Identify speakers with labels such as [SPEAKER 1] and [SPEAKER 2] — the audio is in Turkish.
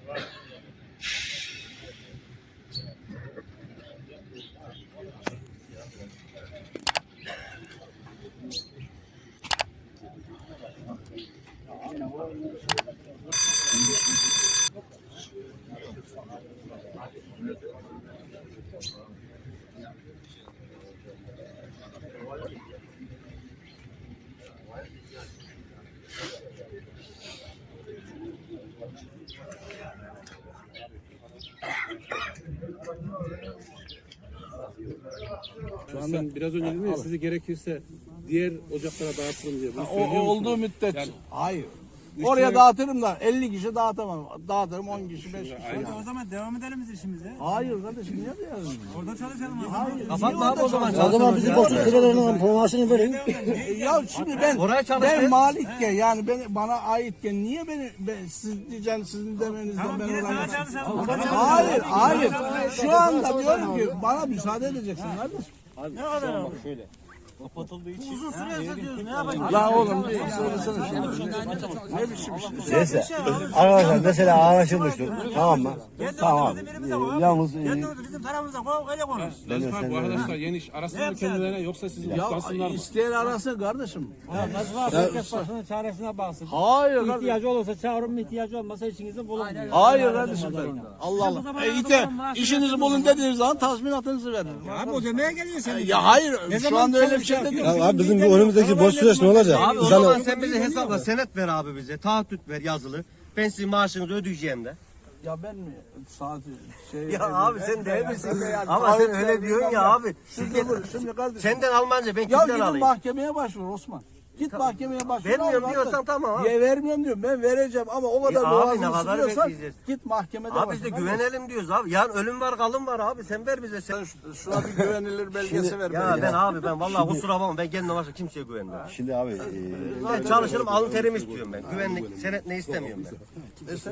[SPEAKER 1] Şu an ben biraz önce dedim ya sizi gerekirse diğer ocaklara dağıtırım diye.
[SPEAKER 2] O olduğu müddetçe.
[SPEAKER 1] Yani,
[SPEAKER 2] hayır. Oraya dağıtırım da 50 kişi dağıtamam. Dağıtırım 10 kişi 5 kişi.
[SPEAKER 3] O zaman devam edelim biz işimize.
[SPEAKER 2] Hayır kardeşim niye diyorsun?
[SPEAKER 3] Orada çalışalım.
[SPEAKER 2] Hayır.
[SPEAKER 3] Kapatma abi o zaman.
[SPEAKER 4] O zaman bizi boşluk sıralarının formasını verin.
[SPEAKER 2] Ya şimdi ben malikken yani bana aitken niye siz diyeceksiniz sizin demenizden ben oradan Hayır. Şu anda diyorum ki bana müsaade edeceksin kardeşim.
[SPEAKER 3] Ne kadar abi? Şöyle. Kapatıldığı için. Uzun süre diyoruz. Ne yapacağız?
[SPEAKER 2] La oğlum bir söylesene şimdi. Ne biçim şey?
[SPEAKER 4] Neyse. Arkadaşlar mesela anlaşılmıştır. Tamam mı? Tamam. Yalnız
[SPEAKER 3] bizim tarafımıza öyle konuş.
[SPEAKER 1] Nazif abi bu arkadaşlar yeni iş arasın mı kendilerine yoksa sizi kutlasınlar mı?
[SPEAKER 2] İsteyen arasın kardeşim.
[SPEAKER 3] Nazif abi herkes başının çaresine baksın.
[SPEAKER 2] Hayır kardeşim.
[SPEAKER 3] İhtiyacı olursa çağırın, ihtiyacı olmasa işinizi bulun diyor.
[SPEAKER 2] Hayır kardeşim ben. Allah Allah. İşinizi bulun dediğiniz zaman tazminatınızı verin.
[SPEAKER 3] Abi o demeye geliyor sen.
[SPEAKER 2] Ya hayır şu anda öyle bir şey de değil.
[SPEAKER 4] abi bizim bu önümüzdeki boş süreç ne olacak?
[SPEAKER 5] Abi o zaman sen bize hesapla senet ver abi bize. Taahhüt ver yazılı. Ben sizin maaşınızı ödeyeceğim de.
[SPEAKER 2] Ya ben mi saati
[SPEAKER 5] Ya abi sen değil misin? Ama sen öyle diyorsun ya abi.
[SPEAKER 2] Şimdi kardeşim.
[SPEAKER 5] Senden Almanca ben
[SPEAKER 2] Ya
[SPEAKER 5] kimden
[SPEAKER 2] gidin
[SPEAKER 5] alayım?
[SPEAKER 2] mahkemeye başvur Osman. Git mahkemeye başvur.
[SPEAKER 5] Vermiyorum diyorsan tamam abi.
[SPEAKER 2] Ya vermiyorum diyorum. Ben vereceğim ama o kadar
[SPEAKER 5] abi
[SPEAKER 2] boğazını
[SPEAKER 5] ne kadar
[SPEAKER 2] sıkıyorsan
[SPEAKER 5] bekleyeceğiz?
[SPEAKER 2] git mahkemede
[SPEAKER 5] Abi
[SPEAKER 2] başvur.
[SPEAKER 5] biz de güvenelim diyoruz abi. Yani ölüm var kalım var abi. Sen ver bize. Sen...
[SPEAKER 2] Şuna bir güvenilir belgesi ver.
[SPEAKER 5] Ya ben vallahi kusura bakma ben kendime başka kimseye güvenmiyorum.
[SPEAKER 4] Şimdi abi
[SPEAKER 5] Ben çalışırım alın terimi istiyorum ben. Güvenlik senet ne istemiyorum ben.